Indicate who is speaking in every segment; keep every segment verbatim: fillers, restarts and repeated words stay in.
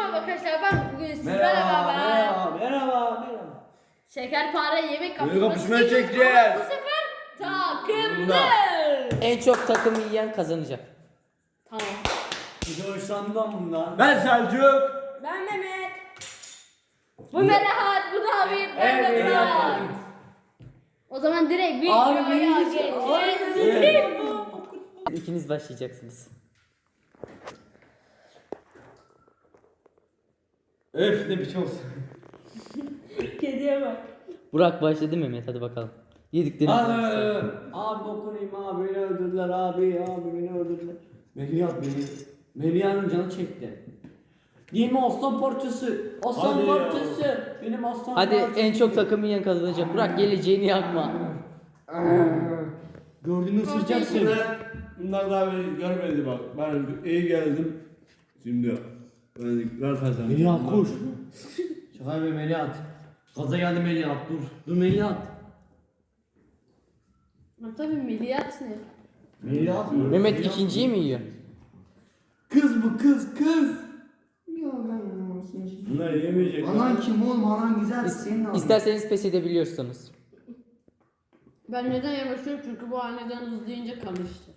Speaker 1: Merhaba arkadaşlar, ben bugün sizlerle
Speaker 2: Merhaba,
Speaker 1: beraber
Speaker 2: merhaba, merhaba, merhaba.
Speaker 1: şekerpare yemek
Speaker 2: Böyle
Speaker 1: kapışması
Speaker 2: kapışmaya
Speaker 1: çekiyoruz
Speaker 2: çekeceğiz.
Speaker 1: ama bu sefer takımlı.
Speaker 2: Bunda.
Speaker 3: En çok takım yiyen kazanacak.
Speaker 1: Tamam.
Speaker 2: Bir de hoşlandım lan bundan. Ben Selçuk.
Speaker 1: Ben Mehmet. Bu Melahat, bu David, ben de
Speaker 2: Evet,
Speaker 1: Burak.
Speaker 2: evet.
Speaker 1: O zaman direkt bir
Speaker 2: Abi,
Speaker 1: videoya
Speaker 2: neymiş?
Speaker 1: geçelim.
Speaker 2: Evet.
Speaker 3: İkiniz başlayacaksınız.
Speaker 2: Öf ne biçim olsun.
Speaker 1: Kediye bak.
Speaker 3: Burak başladı Mehmet, hadi bakalım. Yediklerinizi
Speaker 2: Abi,
Speaker 3: sayın.
Speaker 2: abi dokunayım abi beni öldürdüler abi abi beni öldürdüler. Melihat beni. Meliha'nın canı çekti. Değil mi aslan parçası? Aslan
Speaker 4: Hadi ya.
Speaker 2: parçası. Benim aslan
Speaker 3: Hadi
Speaker 2: parçası.
Speaker 3: en çok takım yiyen kazanacak. Burak geleceğini yakma.
Speaker 2: Gördüğünü ısıracaksın.
Speaker 4: Bunlar, bunlar daha beni görmedi bak. Ben iyi geldim. Şimdi ben ver kazandım.
Speaker 2: Melihat koş. Şaka yapıyor Melihat. Gaza geldi Melihat dur. Dur Melihat.
Speaker 1: Ha, tabii Melihat ne?
Speaker 2: Melihat mı?
Speaker 3: Mehmet
Speaker 2: Melihat
Speaker 3: ikinciyi mi yiyor?
Speaker 2: Kız bu kız kız. Ya ben
Speaker 4: Bunlar yemeyecek.
Speaker 2: Anan kim oğlum anan güzel
Speaker 3: İs-
Speaker 2: senin adın.
Speaker 3: İsterseniz pes edebiliyorsunuz.
Speaker 1: Ben neden yavaşlıyorum? Çünkü bu anneden hızlayınca karıştı.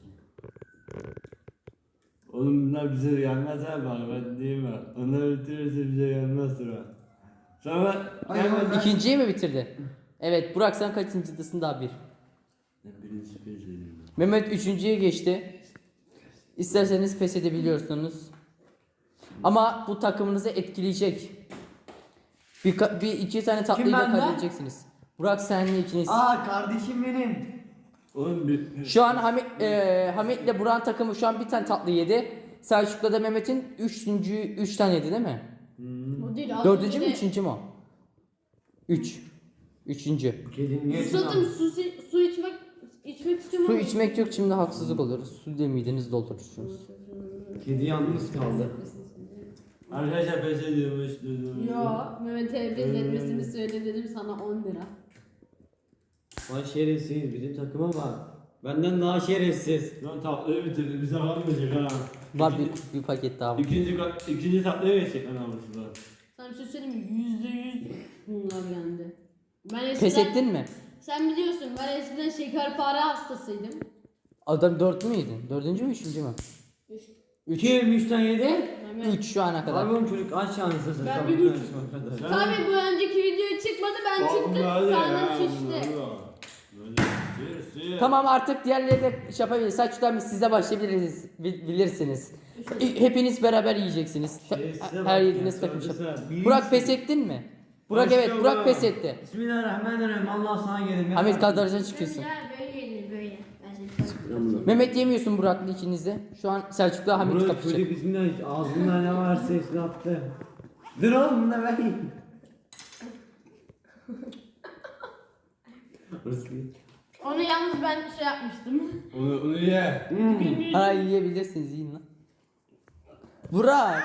Speaker 4: Oğlum bunlar bize gelmez ha bak ben diyeyim mi? Onlar bitirirse bize gelmez sıra. Sonra
Speaker 2: Ay,
Speaker 4: gelmeden...
Speaker 3: İkinciyi mi bitirdi? Evet, Burak sen kaçıncıdasın? Daha bir.
Speaker 4: Ben birinci pes ediyorum.
Speaker 3: Mehmet üçüncüye geçti. İsterseniz pes edebiliyorsunuz. Ama bu takımınızı etkileyecek. Bir, ka- bir iki tane tatlıyı da
Speaker 2: benden?
Speaker 3: kaybedeceksiniz. Burak senle ikiniz.
Speaker 2: Aa kardeşim benim.
Speaker 4: Oğlum bir...
Speaker 3: Şu an Hamit e, Hamit'le Burak'ın takımı şu an bir tane tatlı yedi. Selçuk'la da Mehmet'in üçüncü üç tane yedi değil mi?
Speaker 1: O değil. az
Speaker 3: Dördüncü mü
Speaker 1: önce de-
Speaker 3: üçüncü mü o? Üç. Üçüncü.
Speaker 2: Kedin niye
Speaker 1: Susadım, su, su içmek içmek istiyorum
Speaker 3: Su
Speaker 1: ama-
Speaker 3: içmek yok, şimdi haksızlık olur. Su ile midenizi doldurursunuz.
Speaker 2: Kedi yalnız kaldı.
Speaker 4: Arkadaşlar pes ediyormuş dedim.
Speaker 1: Yo, Mehmet'e benzetmesini söyle dedim sana on lira.
Speaker 2: Lan şerefsiz bizim takıma bak. Benden daha şerefsiz.
Speaker 4: Lan tatlıyı bitirdi bize kalmayacak ha.
Speaker 3: Var bir, bir paket daha var.
Speaker 4: İkinci, ikinci tatlıya geçecek lan namuslar.
Speaker 1: Sana bir şey söyleyeyim mi? Yüzde yüz bunlar yendi. Ben eskiden...
Speaker 3: Pes ettin mi?
Speaker 1: Sen biliyorsun ben eskiden şekerpare hastasıydım.
Speaker 3: Adam dört mü yedin? Dördüncü mü üçüncü mü?
Speaker 1: Üç.
Speaker 3: Üç.
Speaker 2: Kim üçten yedi?
Speaker 1: Mehmet.
Speaker 3: Üç şu ana kadar.
Speaker 2: Abi oğlum çocuk aç şanslısın.
Speaker 1: Ben
Speaker 2: Tamam,
Speaker 1: bir buçuk.
Speaker 2: kardeşim,
Speaker 4: Sen-
Speaker 1: Tabii bu önceki video çıkmadı ben çıktım karnım şişti.
Speaker 3: Tamam, artık diğerleri de şey yapabiliriz. Selçuk'tan biz size başlayabiliriz. Bil- Bilirsiniz. E, Hepiniz beraber yiyeceksiniz. Ta-
Speaker 4: Şerefsize
Speaker 3: Her
Speaker 4: bak
Speaker 3: yediğiniz
Speaker 4: ya,
Speaker 3: takım şey.
Speaker 4: söylesene. Bir
Speaker 3: Burak
Speaker 4: yüz-
Speaker 3: pes ettin mi? Burak evet,
Speaker 4: Başlıyorum
Speaker 3: Burak
Speaker 4: ha.
Speaker 3: pes etti.
Speaker 2: Bismillahirrahmanirrahim. Allah sana gelin.
Speaker 3: Ahmet kadrajdan çıkıyorsun.
Speaker 1: Böyle yenir böyle. Ben seni
Speaker 3: Mehmet yemiyorsun Burak'la ikiniz de. Şu an Selçuk'la Hamit
Speaker 2: Burası
Speaker 3: kapışacak.
Speaker 2: çocuk bismillah ağzında ne varsa hepsini attı. Dur oğlum bunu da ver. Burası değil.
Speaker 1: Onu yalnız ben şey yapmıştım.
Speaker 4: Onu, onu ye.
Speaker 3: Ha, yiyebilirsiniz, yiyin lan. Burak.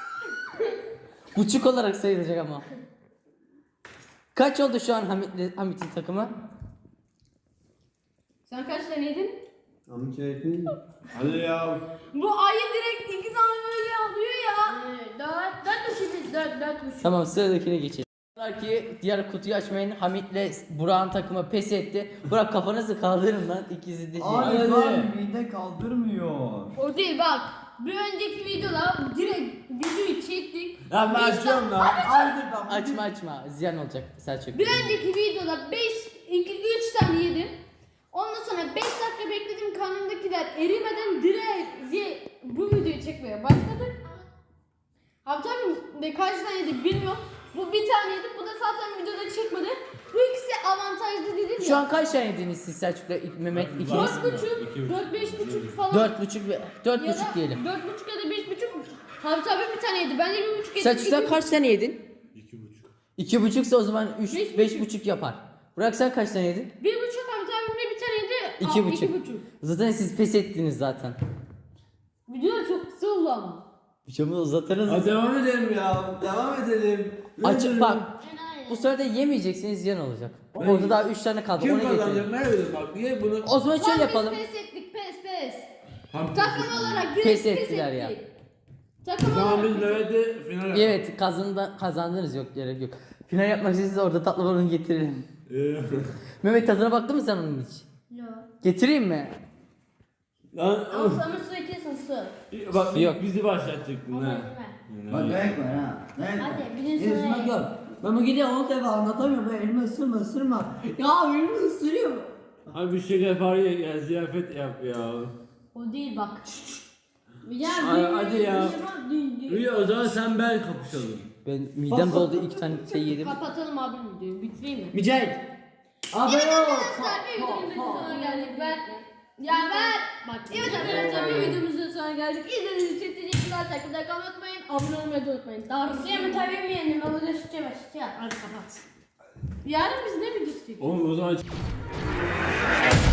Speaker 3: Buçuk olarak sayılacak ama. Kaç oldu şu an Hamit'le Hamit'in takımı?
Speaker 1: Sen kaç tane yedin?
Speaker 2: Amca öğretmenim.
Speaker 4: Hadi ya.
Speaker 1: Bu ayı direkt iki tane böyle alıyor ya. Ee, dört, dört buçuk, dört, dört buçuk.
Speaker 3: Tamam, sıradakine geçelim. Ki diğer kutuyu açmayın. Hamit'le Burak'ın takımı pes etti. Burak kafanızı kaldırın lan, ikisi de.
Speaker 2: Abi
Speaker 3: Hadi.
Speaker 2: lan mide kaldırmıyor.
Speaker 1: O değil bak. Bir önceki videoda direkt videoyu çektik.
Speaker 4: Lan ben
Speaker 1: Beş
Speaker 4: açıyorum
Speaker 1: dak-
Speaker 4: lan.
Speaker 2: Hadi lan.
Speaker 3: Açma açma, ziyan olacak Selçuk.
Speaker 1: Bir önceki videoda beş, iki, üç tane yedim. Ondan sonra beş dakika bekledim karnımdakiler erimeden direkt ye- bu videoyu çekmeye başladık. Abi tabii ne kaç tane yedik bilmiyorum. Bu bir tane yedik, bu da zaten videoda çıkmadı. Bu ikisi avantajlı dedim ya.
Speaker 3: Şu an kaç tane yediniz siz Selçuk'la Mehmet ikiniz?
Speaker 1: Dört buçuk, dört beş buçuk falan.
Speaker 3: Dört buçuk ve dört
Speaker 1: Ya
Speaker 3: buçuk
Speaker 1: da
Speaker 3: diyelim.
Speaker 1: Dört buçuk ya da beş buçuk. Abi tabii bir tane yedi. Ben de bir buçuk yedim.
Speaker 3: Selçuk sen
Speaker 1: İki-
Speaker 3: kaç tane yedin?
Speaker 4: İki buçuk.
Speaker 3: İki buçuksa o zaman üç,
Speaker 1: Beş
Speaker 3: beş,
Speaker 1: buçuk.
Speaker 3: buçuk yapar. Burak sen kaç tane yedin?
Speaker 1: Bir buçuk abi tabii bir tane yedi.
Speaker 3: İki
Speaker 1: Aa,
Speaker 3: buçuk.
Speaker 1: iki buçuk.
Speaker 3: Zaten siz pes ettiniz zaten.
Speaker 1: Video da çok kısa oldu ama.
Speaker 3: Bıçağımı uzatırız.
Speaker 4: Hadi devam edelim ya. Devam edelim.
Speaker 3: Açık bak. Bu sefer de yemeyeceksiniz, ziyan olacak. Orada daha üç tane kaldı.
Speaker 4: Kim
Speaker 3: Onu
Speaker 4: kazanacak?
Speaker 3: getirin.
Speaker 4: Ne bileyim bak. Niye bunu?
Speaker 3: O zaman
Speaker 1: Lan
Speaker 3: şöyle
Speaker 1: biz
Speaker 3: yapalım.
Speaker 1: Pes ettik pes pes.
Speaker 4: Tam
Speaker 1: Takım olarak direkt
Speaker 3: Pes
Speaker 1: pes
Speaker 3: ettiler ya.
Speaker 1: ettik. Takım
Speaker 4: Tamam biz
Speaker 1: olarak
Speaker 4: Mehmet'i final yapalım.
Speaker 3: Evet kazanda, kazandınız yok gerek yok. Final yapmak için size orada tatlı balonu getirelim.
Speaker 4: Ee,
Speaker 3: Mehmet tadına baktın mı sen onun hiç?
Speaker 1: Yok.
Speaker 3: Getireyim mi?
Speaker 4: Lan
Speaker 1: Ama sana su eklesen su.
Speaker 4: bak
Speaker 3: Yok.
Speaker 4: bizi başlatacaktın
Speaker 1: Ama
Speaker 4: ha.
Speaker 1: yeme.
Speaker 2: Bak demek var ha. Demek var.
Speaker 1: Hadi, bir de
Speaker 2: Elimi
Speaker 1: sana-
Speaker 2: gör. Ben bu gidiyor on defa anlatamıyorum. Ben elimi ısırma ısırma. Ya elimi ısırıyor.
Speaker 4: Abi bir şey yapar ya, ya ziyafet yap ya.
Speaker 1: O değil bak. Ya
Speaker 4: Ay,
Speaker 1: bir-
Speaker 4: hadi ya.
Speaker 1: bir- bir-
Speaker 4: Rüya o zaman sen ben kapışalım.
Speaker 3: Ben midem doldu iki tane şey yedim.
Speaker 1: Kapatalım abi videoyu. Bitireyim mi?
Speaker 2: Mücahit. Abi
Speaker 1: Evet
Speaker 2: yok.
Speaker 1: arkadaşlar bir videomuzun sonuna geldik. Ben ya ben bak evet arkadaşlar bir videomuzun sonuna geldik. İzlediğiniz için teşekkürler. Takipte kalmayı unutmayın. Abone olmayı da unutmayın. Darısı mı tabii mi yendim? Abone şişe başlayacağım. Hadi kapat. Yarın biz ne videosu çekeceğiz?
Speaker 4: Oğlum o zaman